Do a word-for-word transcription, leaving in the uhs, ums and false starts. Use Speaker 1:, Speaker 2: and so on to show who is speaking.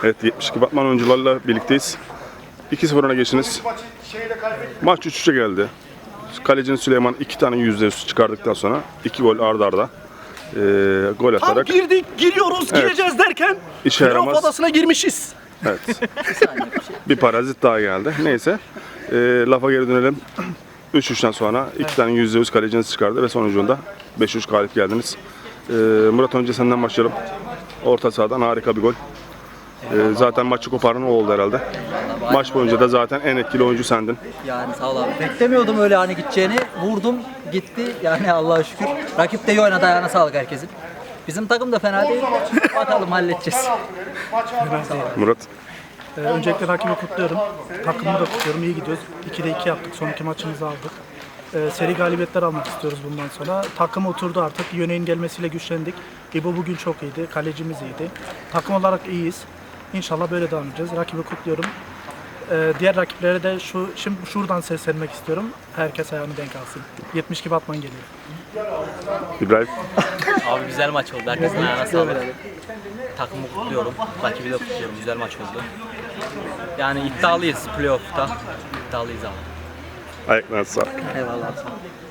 Speaker 1: Evet, yetmiş iki Batman oyuncularla birlikteyiz. iki sıfır öne geçtiniz. Maç üç üçe geldi. Kalecinin Süleyman iki tane yüzde yüz çıkardıktan sonra iki gol arda arda e, gol
Speaker 2: Tam
Speaker 1: atarak
Speaker 2: girdik, giriyoruz,
Speaker 1: Evet.
Speaker 2: gireceğiz derken
Speaker 1: İşe
Speaker 2: playoff
Speaker 1: yaramaz.
Speaker 2: adasına girmişiz.
Speaker 1: evet, bir parazit daha geldi. Neyse, e, lafa geri dönelim. üç üçten sonra iki tane yüzde yüz kaleciniz çıkardı ve sonucunda beş üç galip geldiniz. E, Murat, önce senden başlayalım. Orta sahadan harika bir gol. E, zaten maçı koparan o oldu herhalde. Maç boyunca da zaten en etkili oyuncu sendin.
Speaker 3: Yani sağ ol abi. Beklemiyordum öyle hani gideceğini. Vurdum, gitti. Yani Allah'a şükür. Rakip de iyi oynadı, ayağına sağlık herkesin. Bizim takım da fena değil. Bakalım halledeceğiz.
Speaker 1: Murat.
Speaker 4: Ee, öncelikle rakibi kutluyorum. Takımımı da kutluyorum. İyi gidiyoruz. ikide iki yaptık. Son iki maçımızı aldık. Ee, seri galibiyetler almak istiyoruz bundan sonra. Takım oturdu artık. Yöneğin gelmesiyle güçlendik. İbo bugün çok iyiydi. Kalecimiz iyiydi. Takım olarak iyiyiz. İnşallah böyle devam edeceğiz. Rakibi kutluyorum. Ee, diğer rakiplere de şu şimdi şuradan seslenmek istiyorum. Herkes ayağını denk alsın. yetmiş iki Batman geliyor.
Speaker 1: İbrahim.
Speaker 5: Abi güzel maç oldu. Herkesin ayağına sağlık. Takımı kutluyorum. Rakibi de kutluyorum. Güzel maç oldu. Yani iddialıyız playoff'ta. İddialıyız abi.
Speaker 1: Ayaklarına sağlık.
Speaker 3: Eyvallah.